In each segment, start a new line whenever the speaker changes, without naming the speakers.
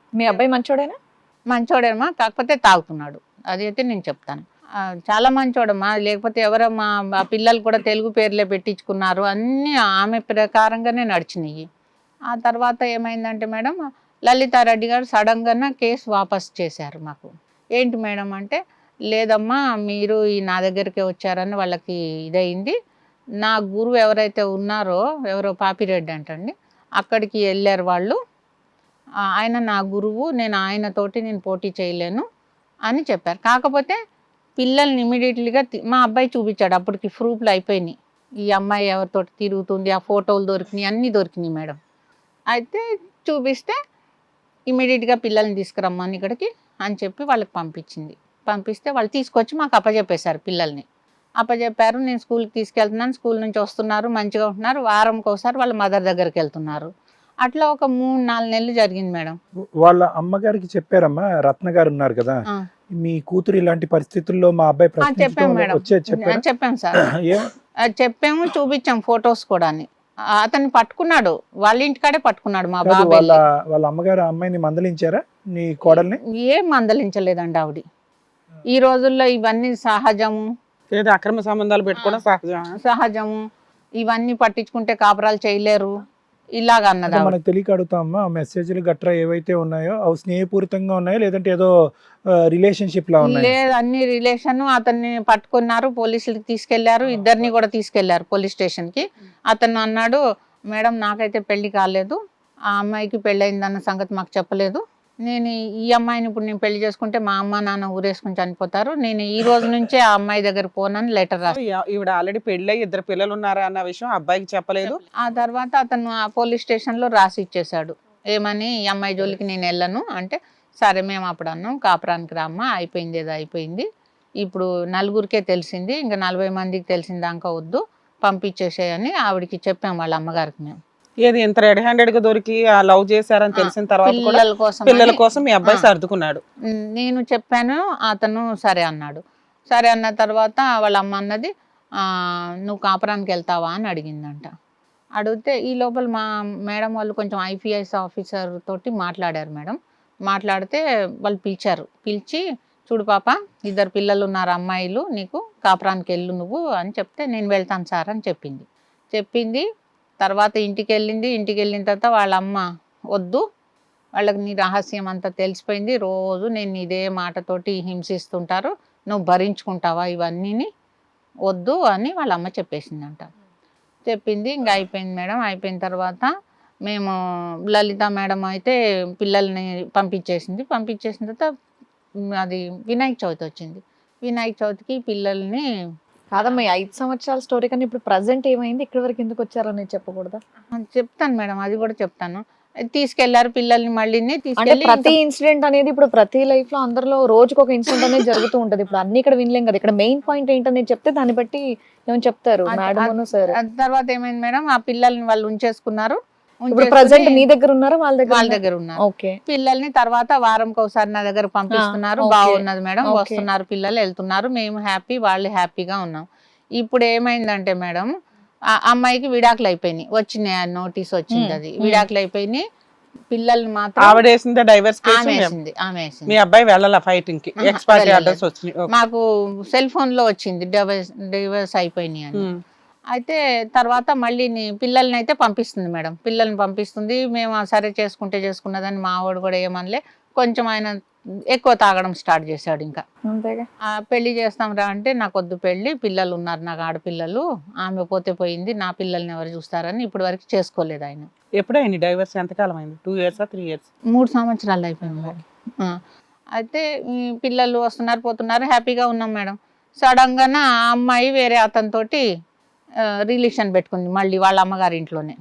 మీ అబ్బాయి మంచోడేనా?
మంచోడేమా, కాకపోతే తాగుతున్నాడు, అదైతే నేను చెప్తాను. చాలా మంచోడమ్మా, లేకపోతే ఎవరమ్మా, ఆ పిల్లలు కూడా తెలుగు పేర్లే పెట్టించుకున్నారు, అన్నీ ఆమె ప్రకారంగానే నడిచినాయి. ఆ తర్వాత ఏమైందంటే మేడం, లలితారెడ్డి గారు సడన్గా కేసు వాపస్ చేశారు మాకు. ఏంటి మేడం అంటే, లేదమ్మా మీరు నా దగ్గరికి వచ్చారని వాళ్ళకి ఇదయింది, నా గురువు ఎవరైతే ఉన్నారో, ఎవరో పాపిరెడ్డి అంటండి, అక్కడికి వెళ్ళారు వాళ్ళు, ఆయన నా గురువు, నేను ఆయనతోటి నేను పోటీ చేయలేను అని చెప్పారు. కాకపోతే పిల్లల్ని ఇమీడియట్లీగా మా అబ్బాయి చూపించాడు, అప్పటికి ప్రూఫ్లు అయిపోయినాయి, ఈ అమ్మాయి ఎవరితోటి తిరుగుతుంది, ఆ ఫోటోలు దొరికినాయి, అన్నీ దొరికినాయి మేడం. అయితే చూపిస్తే ఇమీడియట్గా పిల్లల్ని తీసుకురమ్మని ఇక్కడికి అని చెప్పి వాళ్ళకి పంపిస్తే వాళ్ళు తీసుకొచ్చి మాకు అప్పచెప్పేశారు, పిల్లల్ని అప్పచెప్పారు. నేను స్కూల్కి తీసుకెళ్తున్నాను, స్కూల్ నుంచి వస్తున్నారు, మంచిగా ఉంటున్నారు, వారంకి ఒకసారి వాళ్ళ మదర్ దగ్గరికి వెళ్తున్నారు. అట్లా ఒక 3-4 నెలలు జరిగింది మేడం.
వాళ్ళ అమ్మగారికి చెప్పారమ్మా, రత్న గారు ఉన్నారు కదా, మీ కూతురు ఇలాంటి పరిస్థితుల్లో మా అబ్బాయి
చెప్పాము మేడం, చెప్పాము సార్, చెప్పాము, చూపించాం ఫొటోస్ కూడా. అతన్ని పట్టుకున్నాడు, వాళ్ళ ఇంటికాడే పట్టుకున్నాడు మా బాబాయ్.
వాళ్ళ అమ్మగారు అమ్మాయిని మందలించారా నీ కోడల్ని?
ఏం మందలించలేదండి ఆవిడ. ఈ రోజుల్లో ఇవన్నీ సహజము,
అక్రమ సంబంధాలు పెట్టుకోవడం
సహజము, ఇవన్నీ పట్టించుకుంటే కాపురాలు చేయలేరు ఇలాగ అన్నది.
మనకు తెలియక అడుగుతామా, మెసేజ్లు గట్రా ఏవైతే ఉన్నాయో అవి స్నేహపూరితంగా ఉన్నాయో లేదంటే ఏదో రిలేషన్షిప్ లా ఉన్నాయో?
లేదు, అన్ని రిలేషన్. అతన్ని పట్టుకున్నారు, పోలీసులకి తీసుకెళ్లారు, ఇద్దరిని కూడా తీసుకెళ్లారు పోలీస్ స్టేషన్ కి. అతను అన్నాడు, మేడం నాకైతే పెళ్లి కాలేదు, ఆ అమ్మాయికి పెళ్ళయిందన్న సంగతి మాకు చెప్పలేదు, నేను ఈ అమ్మాయిని ఇప్పుడు నేను పెళ్లి చేసుకుంటే మా అమ్మ నాన్న ఊరేసుకుని చనిపోతారు, నేను ఈ రోజు నుంచే ఆ అమ్మాయి దగ్గర పోనని లెటర్ రాసి.
ఈవిడ ఆల్రెడీ పెళ్ళై 2 పిల్లలు ఉన్నారా అన్న విషయం అబ్బాయికి చెప్పలేదు.
ఆ తర్వాత అతను ఆ పోలీస్ స్టేషన్ లో రాసి ఇచ్చేసాడు, ఏమని, ఈ అమ్మాయి జోలికి నేను వెళ్ళను అంటే. సరే మేము అప్పుడు అన్నాం, కాపురానికి రామ్మా, అయిపోయింది ఏదో అయిపోయింది, ఇప్పుడు 4గురికే తెలిసింది, ఇంకా 40 మందికి తెలిసిందాకా వద్దు, పంపించేసేయని ఆవిడకి చెప్పాం వాళ్ళ అమ్మగారికి. మేము
ఏది ఇంత రెడ్ హ్యాండెడ్ గా దొరికి లవ్ చేశారని తెలిసిన తర్వాత పిల్లల కోసం మీ అబ్బాయి సర్దుకున్నాడు.
నేను చెప్పాను, అతను సరే అన్నాడు. సరే అన్న తర్వాత వాళ్ళ అమ్మ అన్నది, నువ్వు కాపురానికి వెళ్తావా అని అడిగిందంట. అడిగితే ఈ లోపల మా మేడం వాళ్ళు కొంచెం IPS ఆఫీసర్ తోటి మాట్లాడారు మేడం. మాట్లాడితే వాళ్ళు పిలిచి, చూడు పాప, 2 పిల్లలు ఉన్నారు అమ్మాయిలు, నీకు కాపురానికి వెళ్ళు నువ్వు అని చెప్తే, నేను వెళ్తాను సార్ అని చెప్పింది. తర్వాత ఇంటికి వెళ్ళిన తర్వాత వాళ్ళ అమ్మ, వద్దు, వాళ్ళకి నీ రహస్యం అంతా తెలిసిపోయింది, రోజు నేను ఇదే మాటతోటి హింసిస్తుంటారు, నువ్వు భరించుకుంటావా ఇవన్నీ, వద్దు అని వాళ్ళ అమ్మ చెప్పేసిందంట. చెప్పింది, ఇంకా అయిపోయింది మేడం. అయిపోయిన తర్వాత మేము లలిత మేడం అయితే పిల్లల్ని పంపించేసిన తర్వాత అది వినాయక చవితి వచ్చింది. వినాయక చవితికి పిల్లల్ని
కాదమ్మా, 5 సంవత్సరాల స్టోరీ కానీ ఇప్పుడు ప్రజెంట్ ఏమైంది, ఇక్కడి వరకు ఎందుకు వచ్చారని చెప్పకూడదా?
చెప్తాను మేడం, అది కూడా చెప్తాను. తీసుకెళ్లారు పిల్లల్ని, మళ్ళీ
ప్రతి ఇన్సిడెంట్ అనేది ఇప్పుడు ప్రతి లైఫ్ లో అందరిలో రోజుకు ఒక ఇన్సిడెంట్ అనేది జరుగుతూ ఉంటది. ఇప్పుడు అన్ని ఇక్కడ వినలేం కదా, ఇక్కడ మెయిన్ పాయింట్ ఏంటనేది చెప్తే దాన్ని బట్టి ఏమని చెప్తారు మేడం సార్.
తర్వాత ఏమైంది మేడం, ఆ పిల్లల్ని వాళ్ళు ఉంచేసుకున్నారు.
ఇప్పుడు ప్రజెంట్ మీ దగ్గర ఉన్నారా వాళ్ళ
దగ్గర ఉన్నారు?
ఓకే.
పిల్లల్ని తర్వాత వారంకి ఒకసారి నా దగ్గర పంపిస్తున్నారు, బాగున్నది మేడం, వస్తున్నారు పిల్లలు, వెళ్తున్నారు, మేము హ్యాపీ, వాళ్ళు హ్యాపీగా ఉన్నాం. ఇప్పుడు ఏమైందంటే మేడం, ఆ అమ్మాయికి విడాకులు అయిపోయినాయి, వచ్చినాయి, నోటీస్ వచ్చింది, అది విడాకులు అయిపోయినాయి. పిల్లల్ని మాత్రం
ఆవిడ వేసింది, డైవర్స్
ఆమె వేసింది.
మీ అబ్బాయి వెళ్ళాల ఫైటింగ్ కి, ఎక్స్పైరీ ఆర్డర్స్ వచ్చినాయి,
మాకు సెల్ ఫోన్ లో వచ్చింది డివోర్స్ అయిపోయినాయి అని. అయితే తర్వాత మళ్ళీ పిల్లల్ని అయితే పంపిస్తుంది మేడం, పిల్లల్ని పంపిస్తుంది. మేము సరే చేసుకున్నదని మా వాడు కూడా ఏమనలే, కొంచెం ఆయన ఎక్కువ తాగడం స్టార్ట్ చేశాడు. ఇంకా పెళ్లి చేస్తాం రా అంటే, నాకు వద్దు పెళ్లి, పిల్లలు ఉన్నారు నాకు ఆడపిల్లలు, ఆమె పోతే పోయింది, నా పిల్లల్ని ఎవరు చూస్తారని ఇప్పటి వరకు చేసుకోలేదు ఆయన.
ఎప్పుడైంది డైవర్స్? ఎంతకాలం అయింది? 2 years 3 years?
3 సంవత్సరాలు అయిపోయింది మేడం. అయితే పిల్లలు వస్తున్నారు పోతున్నారు, హ్యాపీగా ఉన్నాం మేడం. సడన్ గా ఆ అమ్మాయి వేరే అతనితోటి రిలేషన్ పెట్టుకుంది, మళ్ళీ వాళ్ళ అమ్మగారి ఇంట్లోనే.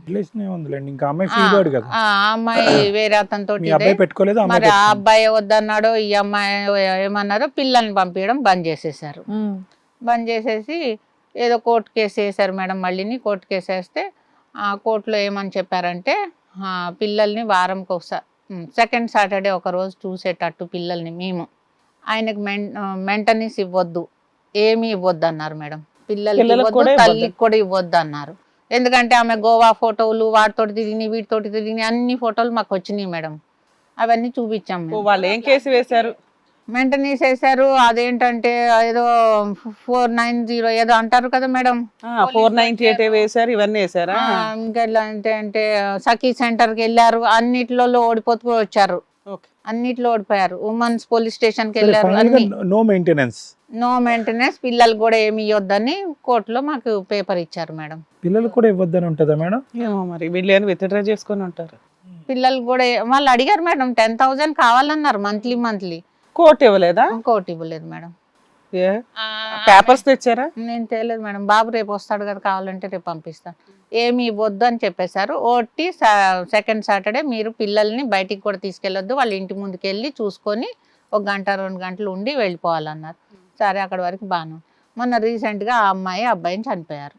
ఆ అమ్మాయి వేరే అతనితో, మరి ఆ అబ్బాయి వద్దన్నాడో ఈ అమ్మాయి ఏమన్నారో, పిల్లల్ని పంపించడం బంద్ చేసేసారు. బంద్ చేసేసి ఏదో కోర్టు కేసు వేసారు మేడం. మళ్ళీ కోర్టు కేసు వేస్తే ఆ కోర్టులో ఏమని చెప్పారంటే, పిల్లల్ని వారంకి ఒకసారి, సెకండ్ సాటర్డే ఒక రోజు చూసేటట్టు పిల్లల్ని, మేము ఆయనకు మెయింటెనెన్స్ ఇవ్వద్దు, ఏమీ ఇవ్వద్దు అన్నారు మేడం. పిల్లలకి తల్లికి కూడా ఇవ్వద్దు అన్నారు. ఎందుకంటే ఆమె గోవా ఫోటోలు, వాటితోటి తిరిగి వీటితోటి తిరిగి అన్ని ఫోటోలు మాకు వచ్చినాయి మేడం. అవన్నీ చూపించాం
ఓ,
మేము.
వాళ్ళు ఏం కేసు వేశారు?
మెయింటెనెన్స్ చేశారు. అదేంటంటే ఏదో 490 ఏదో అంటారు కదా మేడం.
498 వేశారు, ఇవన్నీ వేశారా?
ఇంకా ఎలా అంటే సఖీ సెంటర్కి వెళ్ళారు, అన్నిట్లో ఓడిపోతూ వచ్చారు,
ఓకే.
అన్నిట్లో ఓడిపోయారు. ఉమెన్స్ పోలీస్ స్టేషన్ కి వెళ్ళారు, అన్ని
నో మెయింటెనెన్స్.
No maintenance. పిల్లలు కూడా ఏమి ఇవ్వద్దని కోర్టులో మాకు పేపర్ ఇచ్చారు మేడం.
పిల్లలు కూడా ఇవ్వద్దని ఉంటుందా మేడం?
ఏమో మరి వీళ్ళు ఏమైనా విత్డ్రా చేసుకొని ఉంటారు.
పిల్లలు కూడా వాళ్ళు అడిగారు మేడం, 10,000 కావాలన్నారు మంత్లీ.
కోర్టు ఇవ్వలేదా?
కోర్టు ఇవ్వలేదు మేడం.
పేపర్స్ తెచ్చారా?
నేను తేలేదు మేడం. బాబు రేపు వస్తాడు కదా, కావాలంటే రేపు పంపిస్తాను. ఏమి ఇవ్వద్దు అని చెప్పేశారు. ఓటి సెకండ్ సాటర్డే మీరు పిల్లల్ని బయటికి కూడా తీసుకెళ్ళొద్దు, వాళ్ళ ఇంటి ముందుకు వెళ్ళి చూసుకొని 1 గంట 2 గంటలు ఉండి వెళ్ళిపోవాలన్నారు. సరే, అక్కడ వరకు బాను. మొన్న రీసెంట్ గా ఆ అమ్మాయి అబ్బాయిని చనిపోయారు.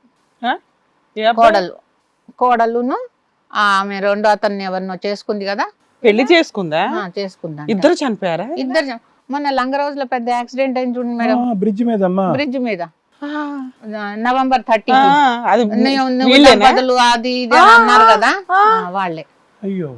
కోడలును ఆమె రెండో అతన్ని ఎవరినో చేసుకుంది కదా,
పెళ్లి చేసుకుందా?
చేసుకుందా.
ఇద్దరు చనిపోయారా?
ఇద్దరు. మొన్న లంగరోజులో పెద్ద యాక్సిడెంట్ అయింది చూడండి మేడం,
బ్రిడ్జ్ మీద.
బ్రిడ్జ్ మీద November 30.
అది
బదులు అది ఇది అని అన్నారు కదా, వాళ్ళే.
అయ్యో.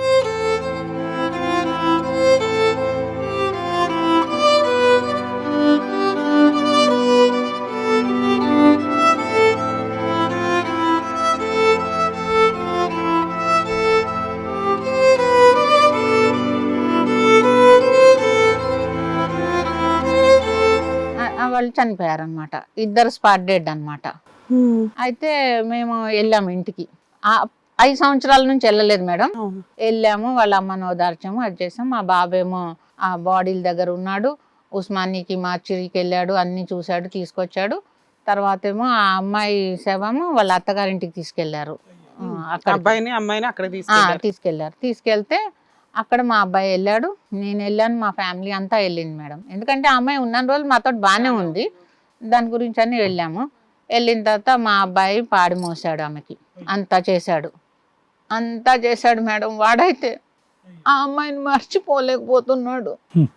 వాళ్ళు చనిపోయారు అనమాట, ఇద్దరు స్పాట్ డెడ్ అనమాట. అయితే మేము వెళ్ళాము ఇంటికి. 5 సంవత్సరాల నుంచి వెళ్ళలేదు మేడం. వెళ్ళాము, వాళ్ళ అమ్మను ఓదార్చాము, అది చేసాము. మా బాబేమో ఆ బాడీల దగ్గర ఉన్నాడు, ఉస్మానికి మార్చిరికి వెళ్ళాడు, అన్ని చూశాడు, తీసుకొచ్చాడు. తర్వాత ఏమో ఆ అమ్మాయి శవము వాళ్ళ అత్తగారింటికి తీసుకెళ్లారు.
అబ్బాయిని అమ్మాయిని అక్కడ
తీసుకెళ్లారు. తీసుకెళ్తే అక్కడ మా అబ్బాయి వెళ్ళాడు, నేను వెళ్ళాను, మా ఫ్యామిలీ అంతా వెళ్ళింది మేడం. ఎందుకంటే ఆ అమ్మాయి ఉన్న రోజులు మాతో బాగానే ఉంది, దాని గురించి అని వెళ్ళాము. వెళ్ళిన తర్వాత మా అబ్బాయి పాడి మోసాడు ఆమెకి, అంతా చేశాడు మేడం. వాడైతే ఆ అమ్మాయిని మర్చిపోలేకపోతున్నాడు,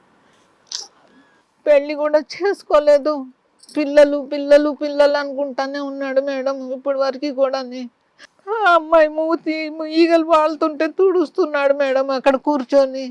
పెళ్లి కూడా చేసుకోలేదు, పిల్లలు అనుకుంటానే ఉన్నాడు మేడం ఇప్పటి వరకు కూడా. ఆ అమ్మాయి మూతి ఈగలు వాళ్తుంటే తుడుస్తున్నాడు మేడం అక్కడ కూర్చొని,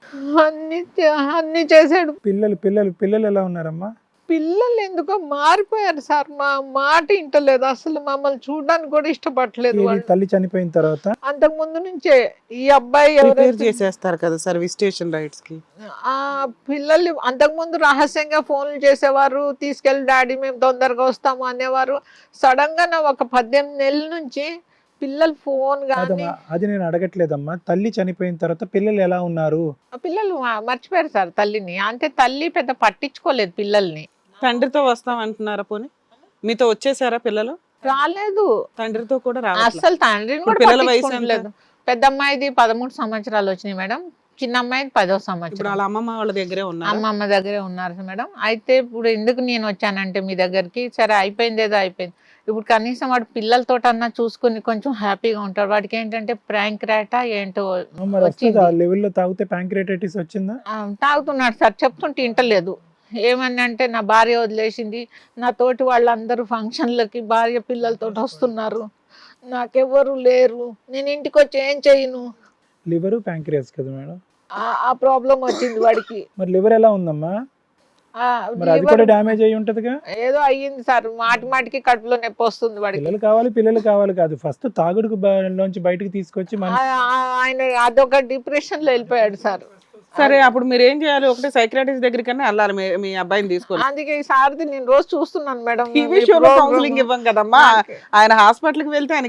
అన్ని చేశాడు.
పిల్లలు ఎలా ఉన్నారమ్మా?
పిల్లలు ఎందుకో మారిపోయారు సార్, మా మాట ఇంటలేదు, అసలు మమ్మల్ని చూడడానికి కూడా ఇష్టపడలేదు.
తల్లి చనిపోయిన తర్వాత
అంతకు ముందు నుంచే ఈ అబ్బాయి
చేసేస్తారు కదా సర్వీస్ స్టేషన్ రైట్స్ కి.
ఆ పిల్లలు అంతకు ముందు రహస్యంగా ఫోన్లు చేసేవారు, తీసుకెళ్ళి డాడీ మేము తొందరగా వస్తాము అనేవారు. సడన్ గా 18 నెలల నుంచి పిల్లలు ఫోన్ గానీ.
అది నేను అడగట్లేదమ్మా, తల్లి చనిపోయిన తర్వాత పిల్లలు ఎలా ఉన్నారు?
పిల్లలు మర్చిపోయారు సార్ తల్లిని, అంటే తల్లి పెద్ద పట్టించుకోలేదు పిల్లల్ని.
తండ్రితో వస్తాం అంటున్నారా? పోనీ మీతో వచ్చేసారా పిల్లలు?
రాలేదు,
తండ్రితో కూడా
అసలు తండ్రిని కూడా
పిల్లల వయసు
పట్టించుకోలేదు. పెద్ద అమ్మాయిది 13 సంవత్సరాలు వచ్చినాయి మేడం, చిన్న అమ్మాయిది 10వ సంవత్సరం.
వాళ్ళ అమ్మమ్మ వాళ్ళ దగ్గరే ఉన్నారు.
అమ్మమ్మ దగ్గరే ఉన్నారు మేడం. అయితే ఇప్పుడు ఎందుకు నేను వచ్చానంటే మీ దగ్గరికి, సరే అయిపోయింది ఏదో అయిపోయింది, ఇప్పుడు కనీసం వాడు పిల్లలతో అన్నా చూసుకుని కొంచెం హ్యాపీగా ఉంటాడు. వాడికి ఏంటంటే ప్యాంక్రాటా ఏంటో
లెవెల్లో తాగితే ప్యాంక్రేటైటిస్ వచ్చిందా?
తాగుతున్నాడు సార్, చెప్తుంటే ఇంటలేదు. ఏమని అంటే నా భార్య వదిలేసింది, నా తోటి వాళ్ళందరూ ఫంక్షన్లకి భార్య పిల్లలతో వస్తున్నారు, నాకెవ్వరు లేరు, నేను ఇంటికి వచ్చి ఏం చేయను.
లివర్ ప్యాంక్రియాస్ కదా మేడం,
ఆ ప్రాబ్లం వచ్చింది వాడికి.
మరి లివర్ ఎలా ఉందమ్మా? మరి అది కూడా డ్యామేజ్ అయ్యి ఉంటదిగా.
ఏదో అయ్యింది సార్, మాటికి కడుపులో నొప్పి వస్తుంది వాడికి.
పిల్లలు కావాలి కాదు, ఫస్ట్ తాగుడుకు నుంచి బయటకు తీసుకొచ్చి
ఆయన అదొక డిప్రెషన్ లో వెళ్ళిపోయాడు సార్.
సరే, అప్పుడు మీరు ఏం చేయాలి? ఒకటి సైకియాట్రిస్ట్ దగ్గరికన్నా వెళ్ళాలి మీ అబ్బాయిని తీసుకొని.
అందుకే ఈ సార్ది నేను రోజు చూస్తున్నాను మేడం.
టీవీ షోలో కౌన్సిలింగ్ ఇవ్వం కదమ్మా, ఆయన హాస్పిటల్ కి వెళ్తే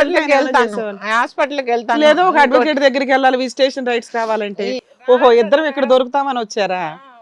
హాస్పిటల్కి వెళ్తాను,
లేదో ఒక అడ్వకేట్ దగ్గరికి వెళ్ళాలి విజిటేషన్ రైట్స్ కావాలంటే. ఓహో, ఇద్దరం ఇక్కడ దొరుకుతామని వచ్చారా?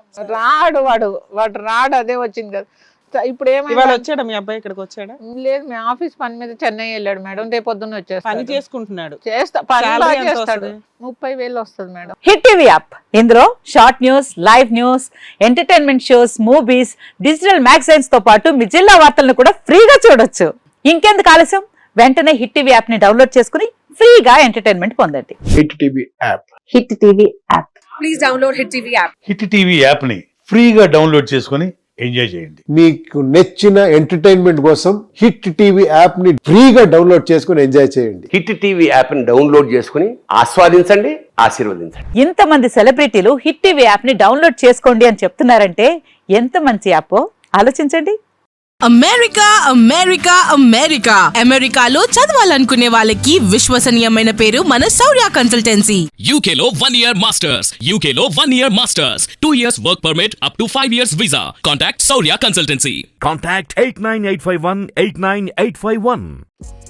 వాడు రాడు, అదే వచ్చింది కదా. ఇప్పుడు
ఏమైనా వచ్చాడా మీ అబ్బాయి? ఇక్కడికి వచ్చాడా?
లేదు, మీ ఆఫీస్ పని మీద చెన్నై వెళ్ళాడు మేడం, రేపు పొద్దున్న వచ్చేస్తాడు.
పని చేసుకుంటున్నాడు,
చేస్తాడు. 30,000 వస్తుంది మేడం.
హిట్ టీవీ యాప్, ఇందులో short news, live news, entertainment shows, movies, digital magazines తో పాటు మీ జిల్లా వార్తలను కూడా ఫ్రీగా చూడొచ్చు. ఇంకెందుకు ఆలస్యం, వెంటనే హిట్ టీవీ యాప్ ని డౌన్లోడ్ చేసుకుని ఫ్రీగా ఎంటర్టైన్మెంట్ పొందండి.
Hit TV app,
hit TV app, please download hit TV app.
Hit TV app ని ఫ్రీగా డౌన్లోడ్ చేసుకుని ఎంజాయ్ చేయండి.
మీకు నచ్చిన ఎంటర్టైన్మెంట్ కోసం హిట్ టీవీ యాప్ ని ఫ్రీగా డౌన్లోడ్ చేసుకుని ఎంజాయ్ చేయండి.
హిట్ టీవీ యాప్ని డౌన్లోడ్ చేసుకుని ఆస్వాదించండి, ఆశీర్వదించండి.
ఇంతమంది సెలబ్రిటీలు హిట్ టీవీ యాప్ ని డౌన్లోడ్ చేసుకోండి అని చెప్తున్నారంటే ఎంత మంచి యాప్ ఆలోచించండి.
అమెరికా అమెరికా అమెరికా అమెరికాలో చదవాలనుకునే వాళ్ళకి విశ్వసనీయమైన పేరు మన శౌర్య కన్సల్టెన్సీ.
UK లో 1 year masters, UK లో 1 year masters, 2 years work permit up to 5 years visa. Contact Saurya Consultancy.
Contact 89851 89851.